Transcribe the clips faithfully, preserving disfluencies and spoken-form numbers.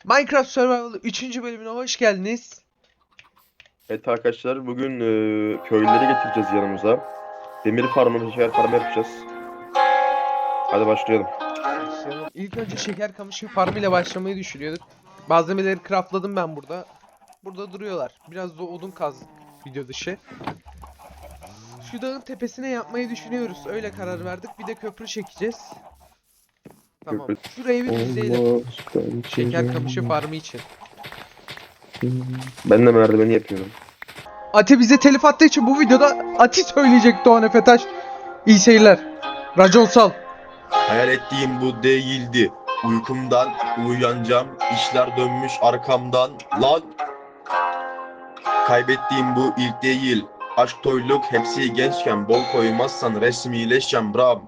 Minecraft Survival üçüncü bölümüne hoş geldiniz. Evet arkadaşlar bugün e, köylüleri getireceğiz yanımıza. Demir farmı, şeker farmı yapacağız. Hadi başlayalım. Başlayalım. İlk önce şeker kamışı farmı ile başlamayı düşünüyorduk. Malzemeleri craftladım ben burada. Burada duruyorlar. Biraz da odun kazdık video dışı. Şu dağın tepesine yapmayı düşünüyoruz. Öyle karar verdik. Bir de köprü çekeceğiz. Tamam. Köprü- Şurayı bir düzleyelim. Allah, Şeker kamışı farmı için. Ben de merdiveni yapıyorum. Ati bize telif attığı için bu videoda Ati söyleyecek Doğan Efetaş. İyi seyirler. Raconsal. Hayal ettiğim bu değildi. Uykumdan uyanacağım. İşler dönmüş arkamdan. Lan! Kaybettiğim bu ilk değil. Aşk, toyluk hepsi gençken. Bol koymazsan resmileşeceğim bram.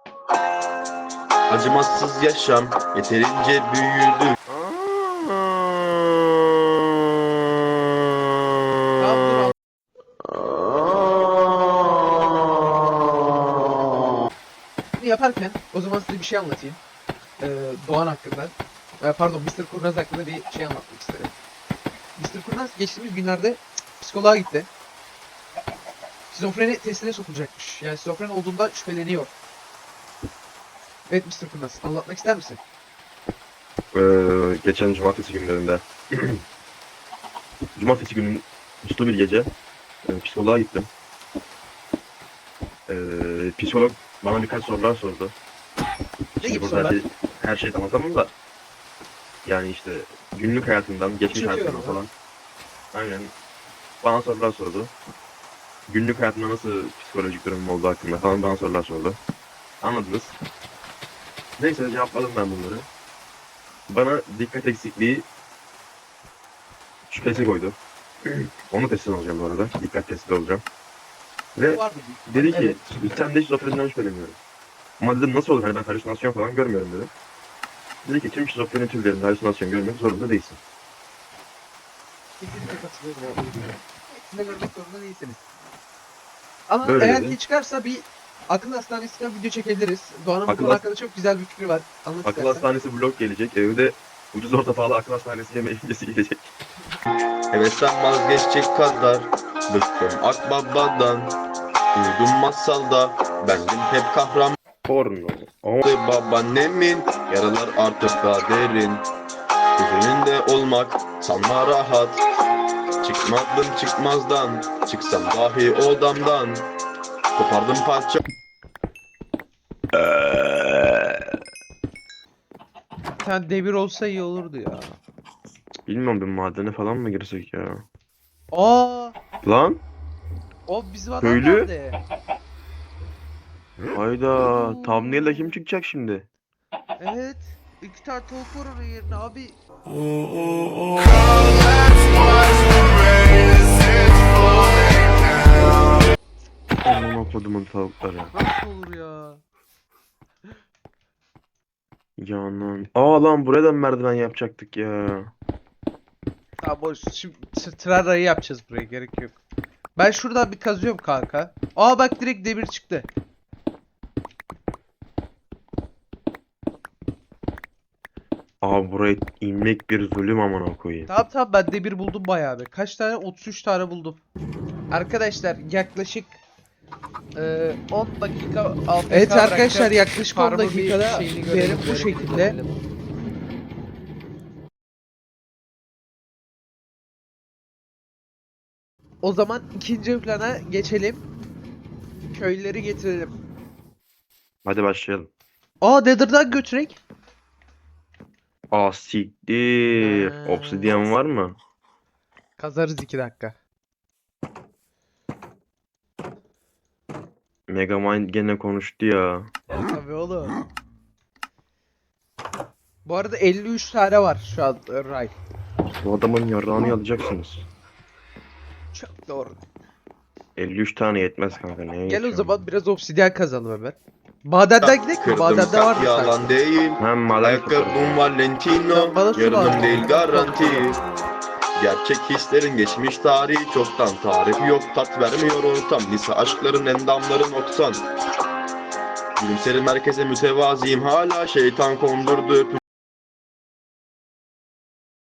Acımasız yaşam yeterince büyüdü. Tamam, dur. Bunu yaparken o zaman size bir şey anlatayım. Ee, Doğan hakkında. Ee, pardon mister Kurnaz hakkında bir şey anlatmak istedim. mister Kurnaz geçtiğimiz günlerde psikoloğa gitti. Şizofreni testine sokulacakmış. Yani şizofren olduğundan şüpheleniyor. Evet mister Kurnaz, anlatmak ister misin? Ee, geçen cumartesi günlerinde. Cumartesi günün uslu bir gece e, psikoloğa gittim. Ee, psikolog bana birkaç sorular sordu. Ne Şimdi gibi burada sorular? her, şey, her şeyi anlatamam da. Yani işte günlük hayatından, geçmiş Çekiyorum hayatından falan. Aynen. Bana sorular sordu. Günlük hayatımda nasıl psikolojik durumum olduğu hakkında falan bana sorular sordu. Anladınız. Neyse cevapladım ben bunları. Bana dikkat eksikliği şüphesi koydu. Onu testten alacağım bu arada. Dikkat testi olacağım. Ve Var mı? dedi ki Evet. sen de şizofreniden şüpheleniyorum. Ama dedim nasıl olur? Hani ben halüsinasyon falan görmüyorum dedim. Dedi ki tüm şizofreni türlerinde halüsinasyon görmek zorunda değilsin. Kesinlikle katılıyorum. ya, uyduruyorum. Hepsini görmek zorunda değilsiniz. Ama Böyle eğer dedi. ki çıkarsa bir akıl hastanesinden video çekebiliriz. Doğan'ın bu Akıl konu has- hakkında çok güzel bir fikri var. Anlat Akıl istersen. hastanesi blok gelecek. Evde ucuz orta pahalı akıl hastanesi yeme ilgisi gelecek. Hevesten vazgeçecek kadar bıktım akbabadan. Duydum masalda bendim hep kahraman. Porno. Ama Babaannemin yaralar artık daha derin. Göz önünde olmak sanma rahat. Çıkmadım çıkmazdan, çıksam dahi odamdan. Kopardım parça. Bir tane devir olsa iyi olurdu ya. bilmiyorum bir madene falan mı girsek ya? Aa, Lan o bizim adam Köylü? nerede? hayda thumbnail'da kim çıkacak şimdi? Evet. İki tane tavuk var onun yerine abi. Aman okudumun tavukları. Nasıl olur ya? Yanan. Aa lan buraya da merdiven yapacaktık ya. Tamam boş. Şimdi Trara'yı yapacağız buraya, gerek yok. Ben şuradan bir kazıyorum kanka. Aa bak direkt demir çıktı. Aa buraya inmek bir zulüm amına koyayım. Tamam tamam ben demir buldum bayağı bir. Kaç tane? otuz üç tane buldum. Arkadaşlar yaklaşık e, on dakika A F K Evet arkadaşlar bırakacağım. yaklaşık on Farmın bir dakikada şeyini görelim, verim bu görelim, şekilde. görelim. O zaman ikinci plana geçelim. Köylüleri getirelim. Hadi başlayalım. Aa Nether'dan götürek. Aa siktir. Ha. Obsidian var mı? Kazarız iki dakika. Megamind gene konuştu ya. Tabii oğlum. Bu arada elli üç tane var şu an e, Ray. Bu adamın yarrağını alacaksınız. Çok doğru. elli üç tane yetmez kanka. Neye Gel o yetiyor? zaman biraz obsidyen kazalım hemen. Madenden gidelim mi? Kırdım Madende var kalp mı yalan sanki? değil. Hem maden Ayakkabım Valentino, Sen bana su lazım. yarınım değil garanti. Gerçek hislerin geçmiş tarihi çoktan. Tarih yok, tat vermiyor ortam. Lise aşkların endamları noksan. Gülümserim herkese mütevaziyim, hala şeytan kondurdu.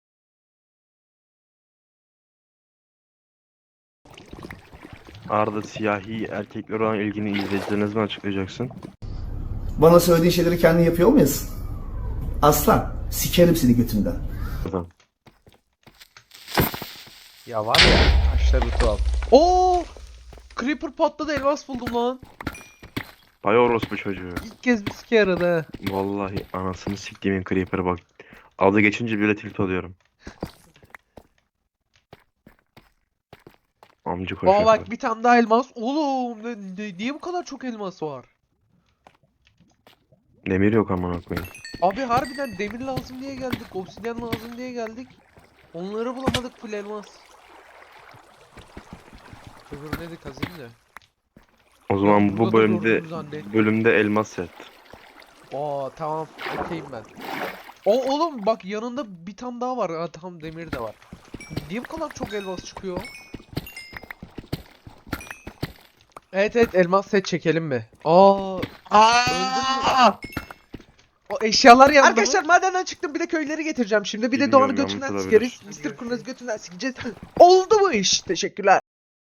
Arda siyahi erkekler olan ilgini izleyicilerine ne zaman açıklayacaksın? Bana söylediğin şeyleri kendin yapıyor muyuz? Aslan, sikerim seni götünden. Adam. Ya var ya, taşları tuhaf. Oo! Creeper patladı, elmas buldum lan. Bay orospu çocuğu. İlk kez bir sike yaradı ha. Vallahi anasını siktiğimin creeper'a bak. Adı geçince bile tilt oluyorum. Amcı koşuyor. Aa bak bir tane daha elmas. Oğlum ne, ne- niye bu kadar çok elmas var? Demir yok amına koyayım. Abi harbiden demir lazım diye geldik. Obsidyen lazım diye geldik. Onları bulamadık, full elmas. Öbür neydi, kazayım da. O zaman Burada bu da bölümde gördüğümüz zannettim. bölümde elmas set. Aa tamam, okeyim ben. O oğlum bak yanında bir tane daha var. Ha, tamam, demir de var. Niye bu kadar çok elmas çıkıyor? Evet evet, elmas set çekelim mi? Aa, öldün mü? O eşyalar yanında. Arkadaşlar madenden çıktım, bir de köyleri getireceğim şimdi. Bir de Bilmiyorum, Doğan'ı yanlış götünden olabilir. sikeriz. mister Kurnaz'ı götünden sikeceğiz. Oldu mu iş? Teşekkürler.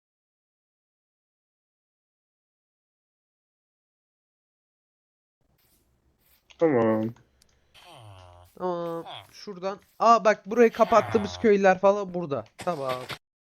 Tamam. Aa, şuradan. Aa bak, burayı kapattığımız köyler falan burada. Tamam.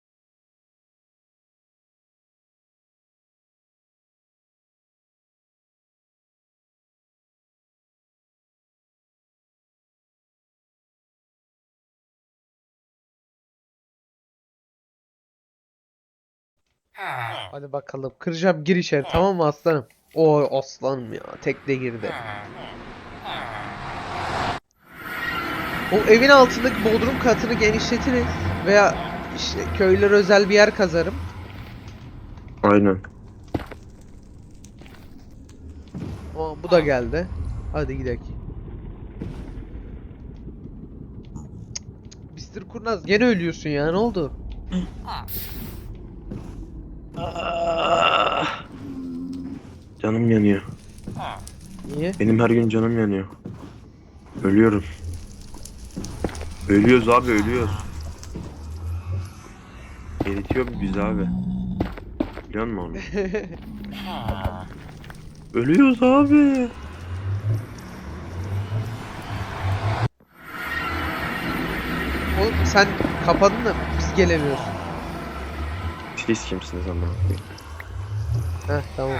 Hadi bakalım. Kıracağım, gir içeri, tamam mı aslanım? Oy aslanım ya. Tekne girdi. O evin altındaki bodrum katını genişletiriz. Veya işte köylere özel bir yer kazarım. Aynen. Aa, bu da geldi. Hadi gidelim. mister Kurnaz gene ölüyorsun ya, ne oldu? Ah. Canım yanıyor. Niye? Benim her gün canım yanıyor. Ölüyorum. Ölüyoruz abi, ölüyoruz. Eritiyor biz abi. Biliyor musun onu? Ölüyoruz abi. Oğlum sen kapadın da biz gelemiyoruz. Siz kimsiniz amına koyayım? Heh tamam.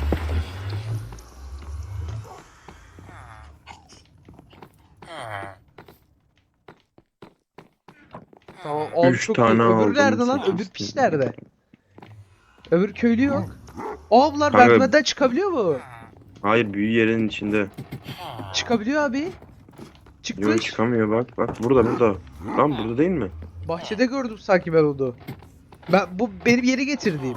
Tamam. Abi Üç çok tane iyi. Öbür aldım, nerede lan? sekiz Öbür piç tane. nerede? Öbür köylü yok. Aa bunlar Kanka- merdivenden çıkabiliyor mu? Hayır, büyü yerinin içinde. Çıkabiliyor abi. Yok, Çıkmış. çıkamıyor bak. Bak burada burada. Lan burada değil mi? Bahçede gördüm sanki ben onu. Ben bu benim yeri getirdiğim.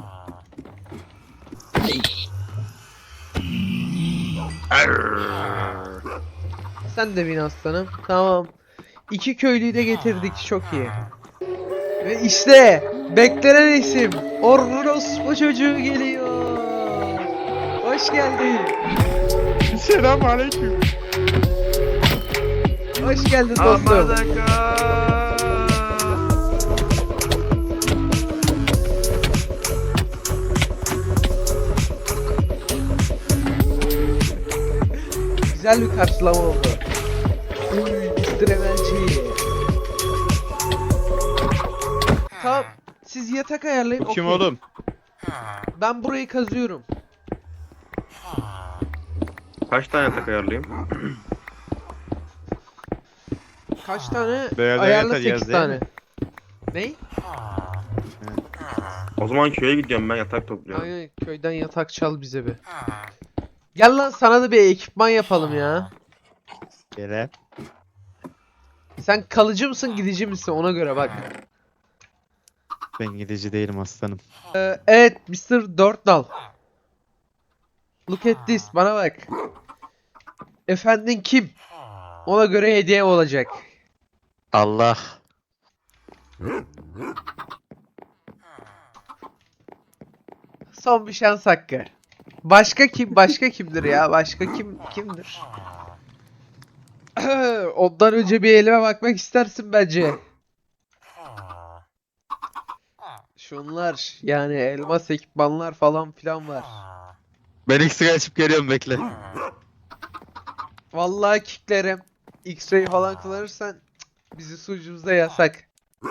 Sen de bin aslanım. Tamam. İki köylüyü de getirdik. Çok iyi. Ve işte beklenen isim Orospu çocuğu geliyor. Hoş geldin. Selamünaleyküm. Hoş geldin dostum. Güzel bir karşılama oldu. Uy, mister Emelci. Tamam. Siz yatak ayarlayın. Bu kim okey. oğlum? Ben burayı kazıyorum. Kaç tane yatak ayarlayayım? Kaç tane? Beyaz Ayarla yatak yaz sekiz değil tane. mi? Ney? O zaman köye gidiyorum, ben yatak topluyorum. Aynen, köyden yatak çal bize bir. Gel lan, sana da bir ekipman yapalım ya. Gele. Sen kalıcı mısın, gidici misin, ona göre bak. Ben gidici değilim aslanım. Ee, evet mister Dörtnal. Look at this, bana bak. Efendin kim? Ona göre hediye olacak. Allah. Son bir şans hakkı. Başka kim? Başka kimdir ya? Başka kim kimdir? Ondan önce bir elime bakmak istersin bence. Şunlar yani elmas ekipmanlar falan filan var. Ben X'e açıp geliyorum bekle. Vallahi kicklerim. X-ray falan kullanırsan cık, bizi sucuğumuzda yasak.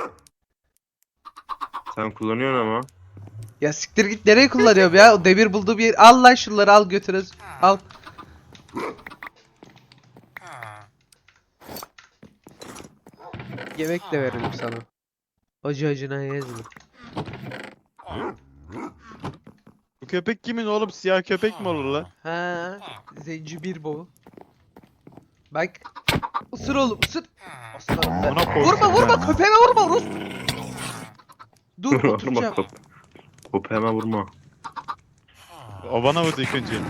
Sen kullanıyorsun ama. Ya siktir git, nereye kullanıyorum ya? O demir bulduğu bir yer. Al lan şunları, al götürüz. Al. Yemek de verelim sana. Acı acına yezme. Bu köpek kimin oğlum? Siyah köpek mi olur lan? Ha, zencefil bu. Bak. Isır oğlum, ısır. Aslanım ben. Amına koyayım Vurma ya. vurma, köpeğime vurma Rus. Dur Vurma oturacağım. top. Topu hemen vurma. O bana vurdu ilk önce.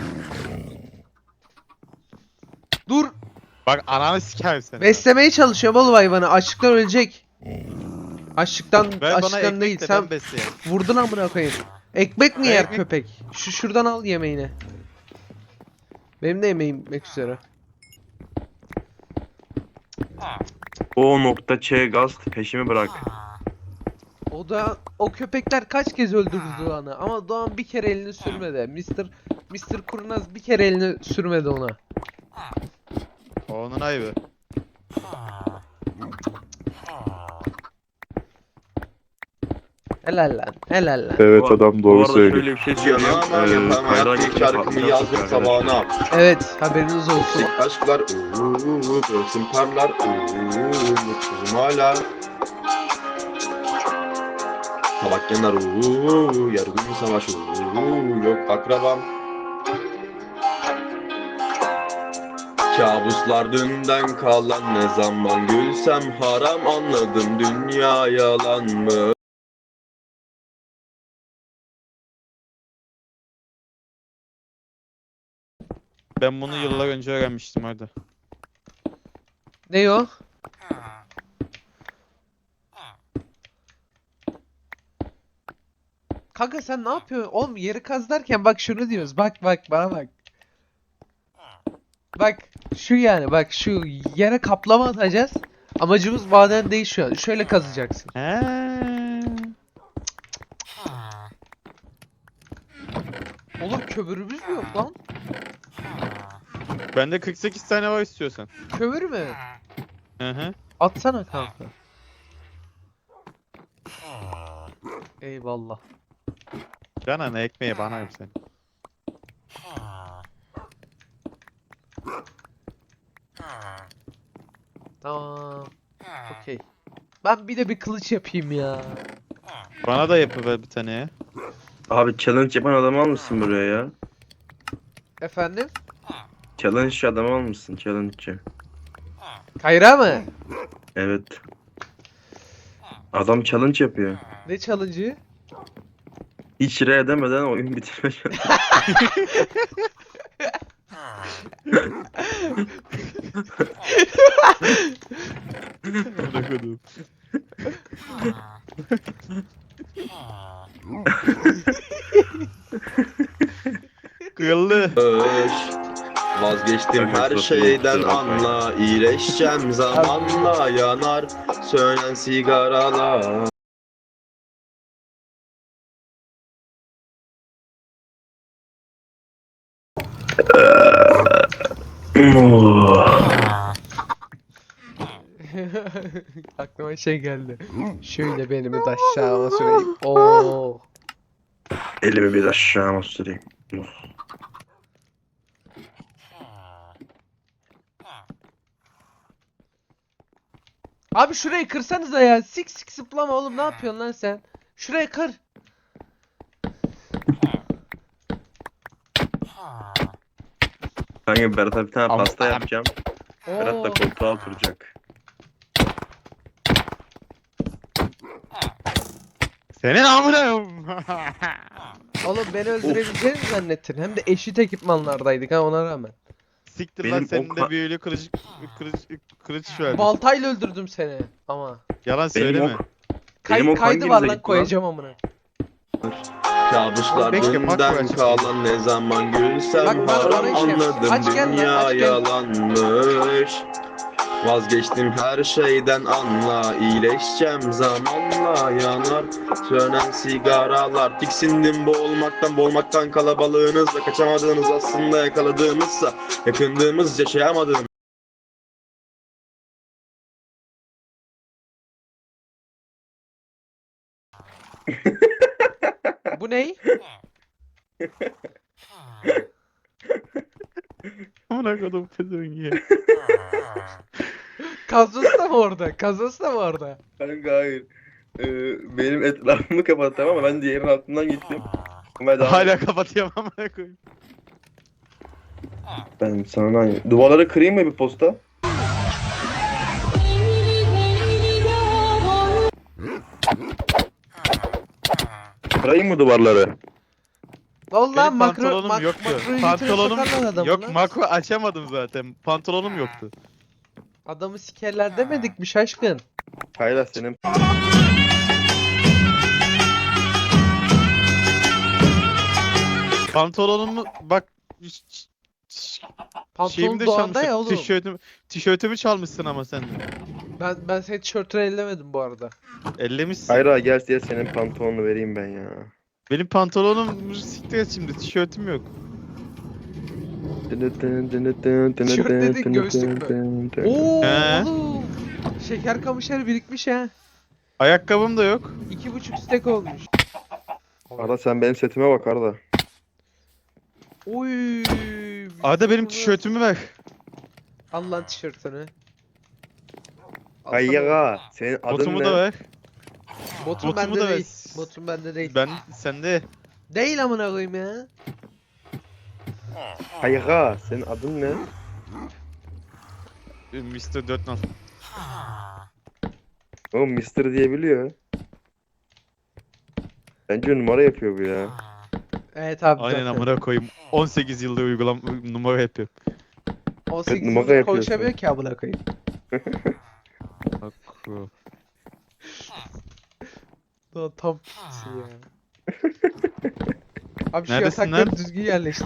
Dur. Bak ananı sikerim seni. Beslemeye çalışıyorum oğlum hayvanı. Açlıktan ölecek. Açlıktan, Ver bana açlıktan ekmek değil. de Sen ben besleyeyim. vurdun amına koyayım. Ekmek mi Ben yer ekmek- köpek? Şu şuradan al yemeğini. Benim de yemeğim bitmek üzere. O nokta Ç gaz peşimi bırak. O da o köpekler kaç kez öldürdü Doğan'ı ama Doğan bir kere elini sürmedi. Mister Mister Kurnaz bir kere elini sürmedi ona. O onun ayıbı. Helal lan, helal lan. Evet Bu- adam Bu doğru arada söylüyor. şöyle bir şey söyleyeyim. Yanağıma Ee, yapamayan kayrağı bir geçince şarkımı patlayacak yazdım arkadaşlar. sabahına. Evet, haberiniz olsun. Tek aşklar uuu, göğsüm parlar uuu, mutsuzum hala. Tabak yanar uuu, yargın savaş uuu, yok akrabam. Kabuslar dünden kalan, ne zaman gülsem haram, anladım dünya yalan mı? Ben bunu yıllar önce öğrenmiştim hadi. Ne o? Kanka sen ne yapıyorsun? Oğlum yeri kaz derken bak şunu diyoruz. Bak bak bana bak. Bak şu yani bak şu yere kaplama atacağız. Amacımız maden değil şu an. Şöyle kazacaksın. He. Olur, kömürümüz mü yok lan? Bende kırk sekiz tane var istiyorsan. Kömür mü? Hı hı. Atsana kanka. Eyvallah. Cana ne ekmeği bana yap sen. Tamam. Okey. Ben bir de bir kılıç yapayım ya. Bana da yapıver bir tane ya. Abi challenge yapan adamı almışsın buraya ya. Efendim? Challenge adamı almışsın, challenge'ci. Kayra mı? Evet. Adam challenge yapıyor. Ne challenge'ı? Hiç re edemeden oyun bitirme challenge. Bırakıyordum. Kırıldı. Öş, vazgeçtim Evet, her çok iyi, şeyden kusura bakmayın. anla, iyileşeceğim zamanla, yanar sönen sigaralar. Aklıma şey geldi. Şöyle benimi de aşağıma süreyim. Oo. Elimi bir aşağı süreyim. Abi şurayı kırsanıza ya. Sik sik zıplama oğlum, ne yapıyorsun lan sen? Şurayı kır. Kanka Berat'a bir tane Ama- pasta yapacağım. Berat da Oo. koltuğa oturacak. Senin amına. Oğlum beni öldürebileceğini mi zannettin? Hem de eşit ekipmanlardaydık ha, ona rağmen. Siktir Benim lan senin o de ka- büyülü kılıç kılıç kılıç verdim. Baltayla öldürdüm seni ama. Yalan Benim söyleme. ok, Kay Benim o kaydı hanginize var lan, gitti lan? koyacağım amına. Kabuslar Bekle, bak bu dünden açık. kalan, ne zaman gülsem Bak, bak, bana haram, şey yap. anladım Aç gel lan, dünya aç gel. yalanmış. Vazgeçtim her şeyden anla, iyileşeceğim zamanla. Yanar sönen sigaralar, tiksindim boğulmaktan, boğulmaktan kalabalığınızla. Kaçamadığınız aslında yakaladığımızsa, yakındığımız yaşayamadığımız. Bu ney? Amına kodum pezevenk ya. Kazması da mı orada? Kazması da mı orada? Kanka hayır. Ee, benim etrafımı kapattım ama ben diğerinin altından gittim. Ama daha Hala kapatıyorum amına koyayım. ben sana duvarları kırayım mı bir posta? Kırayım mı duvarları? Vallahi Benim makro pantolonum mak yoktu. makroyu götüre Pantolonum sokarlar adamı yok, lan. makro açamadım zaten. Pantolonum yoktu. Adamı sikerler demedik mi şaşkın? Hayır senin Pantolonumu bak ş- ş- Pantolon şeyimi de doğanda çalmışsın. ya oğlum. Tişörtümü, tişörtümü çalmışsın ama sen. Ben ben senin tişörtünü ellemedim bu arada. Ellemişsin. Hayır gel diye senin pantolonunu vereyim ben ya. Benim pantolonum siktir et şimdi. Tişörtüm yok. Tişört dedin, göğüslük Oo He. oğlum. Şeker kamışları birikmiş ha. Ayakkabım da yok. İki buçuk stek olmuş. Arda sen benim setime bak Arda. Oy. Arda benim tişörtümü ver. Al lan tişörtünü. Alsana. Hayır ha. Senin adın Botumu ne? da ver. Botum botumu bende da ver. değil. Botum bende değil. Ben sende. Değil amına koyayım ya. Hayır ha. Senin adın ne? mister dört nal. Oğlum mister diyebiliyor. Bence numara yapıyor bu ya. Evet abi. Aynen zaten. amına koyayım. on sekiz yılda uygulam numara yapıyorum. on sekiz numara yıldır yapıyorsun. konuşamıyor ki amına koyayım. Bak. Daha tam pisi ya. Abi şu Neredesin yatakları lan? düzgün yerleştir.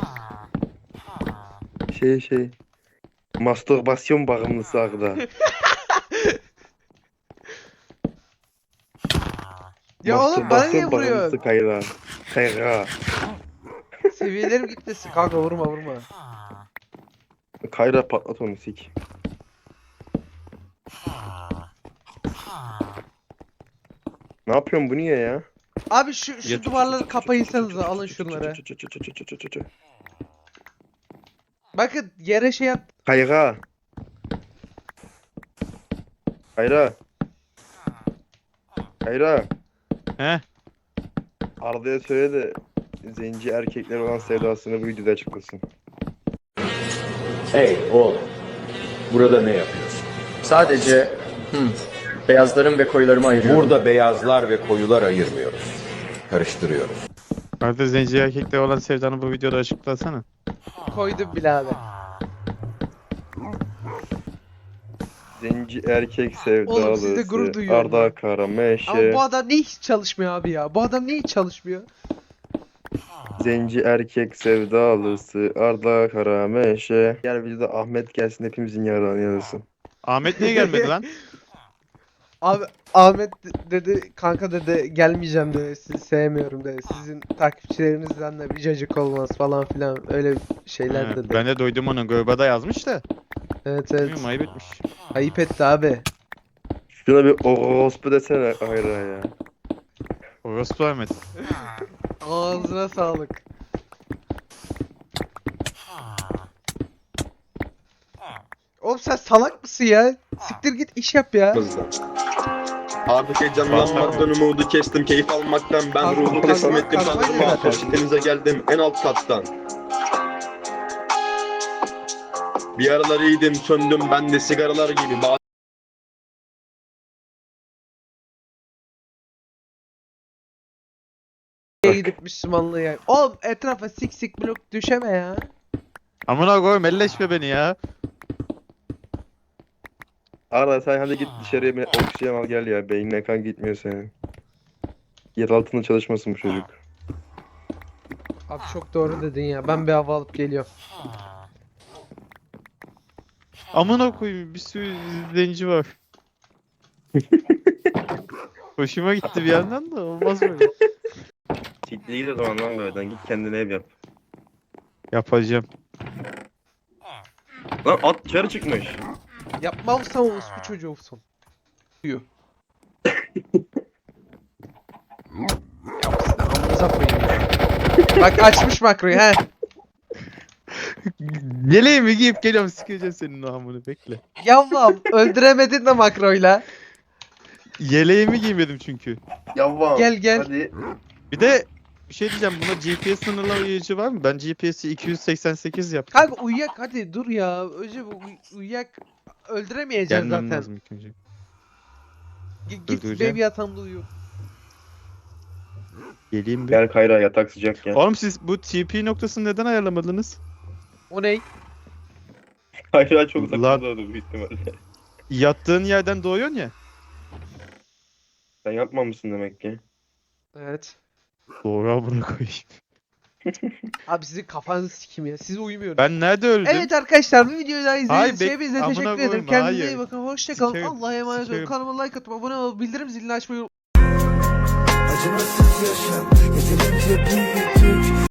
Şey şey. Mastürbasyon bağımlısı Arda. Ya oğlum bana niye Mastürbasyon vuruyorsun? bağımlısı Kayra. Kayra. Seviyelerim gitmesin kanka vurma vurma. Kayra patlat onu sik. Ne yapıyorsun bu niye ya? Abi şu şu duvarları kapayırsanıza alın şunları. Bakın yere şey yap. Kayra. Kayra. Kayra. He? Arda'ya söyle de zenci erkekler olan sevdasını bu videoda açıklasın. Hey oğlum, burada ne yapıyorsun? Sadece hmm, beyazlarım ve koyularımı ayırıyorum. Burada beyazlar ve koyular ayırmıyoruz. Karıştırıyoruz. Arda zenci erkekle olan sevdanı bu videoda açıklasana. Koydum bile abi. Zenci erkek Oğlum, sizde sevdalısı gurur duyuyorum Arda ya. Karameşe. Ama bu adam niye hiç çalışmıyor abi ya? Bu adam niye hiç çalışmıyor? Zenci erkek sevdalısı Arda Karameşe. Gel videoda Ahmet gelsin hepimizin yararını yarasın. Ahmet niye gelmedi lan? Abi Ahmet de- dedi kanka dedi gelmeyeceğim dedi sizi sevmiyorum dedi. Sizin takipçilerinizden de bir cacık olmaz falan filan öyle şeyler He, dedi. ben de duydum onu. Görbada yazmış da. Evet evet. Bilmiyorum ayıp etmiş. Ayıp etti abi. Şuna bir orospu desene Kayra ya. Orospu Ahmet. Ağzına sağlık. Oğlum sen salak mısın ya? Siktir git iş yap ya. Artık heyecanlanmaktan umudu kestim, keyif almaktan ben Kazma- ruhu teslim kazma- ettim kazmaydı tanrıma. zaten. Şiddetinize geldim en alt kattan. Bir aralar iyiydim, söndüm ben de sigaralar gibi. Ba- Gidip Müslümanlığı ya. Oğlum etrafa sik sik blok düşeme ya. Amına koyayım elleşme beni ya. Arda sen hadi git dışarıya bir oksijen al gel ya. Beynine kan gitmiyor senin. Yer altında çalışmasın bu çocuk. Abi çok doğru dedin ya. Ben bir hava alıp geliyorum. Amına koyayım bir sürü izleyici var. Hoşuma gitti bir yandan da olmaz böyle. Siktir git o zaman lan böyleden. Git kendine ev yap. Yapacağım. Lan at dışarı çıkmış. Yapmazsan orospu çocuğu olsun. Diyor. Yapsın amınıza koyayım ya. Bak açmış makroyu he. Yeleğimi giyip geliyorum sikeceğim senin o amını bekle. Yavrum öldüremedin de makroyla. Yeleğimi giymedim çünkü. Yavvam. Gel, gel. Hadi. Bir de bir şey diyeceğim buna G P S sınırlayıcı var mı? Ben G P S'i iki yüz seksen sekiz yaptım. Kanka uyuyak hadi dur ya. Önce bu uy- uyuyak öldüremeyeceğiz Gelmem zaten. lazım ilk önce. G- Git Öldüreceğim. benim yatağımda uyu. Geleyim bir. Gel Kayra yatak sıcak ya. Oğlum siz bu T P noktasını neden ayarlamadınız? O ney? Kayra çok uzakta Lan- doğdu büyük ihtimalle. Yattığın yerden doğuyorsun ya. Sen yapmamışsın demek ki. Evet. Doğru amına koyayım. Abi sizin kafanızı sikeyim ya. Siz uyumuyorum. Ben nerede öldüm? Evet arkadaşlar bu videoyu daha izlediğiniz Hayır, için bek- hepinize amına teşekkür ederim. koyma, Kendinize hayır. iyi bakın. Hoşçakalın. Sikerim, Allah'a emanet olun. sikerim. Kanalıma like atıp abone olup bildirim zilini açmayı Acımasız yaşam yeterince büyüttük.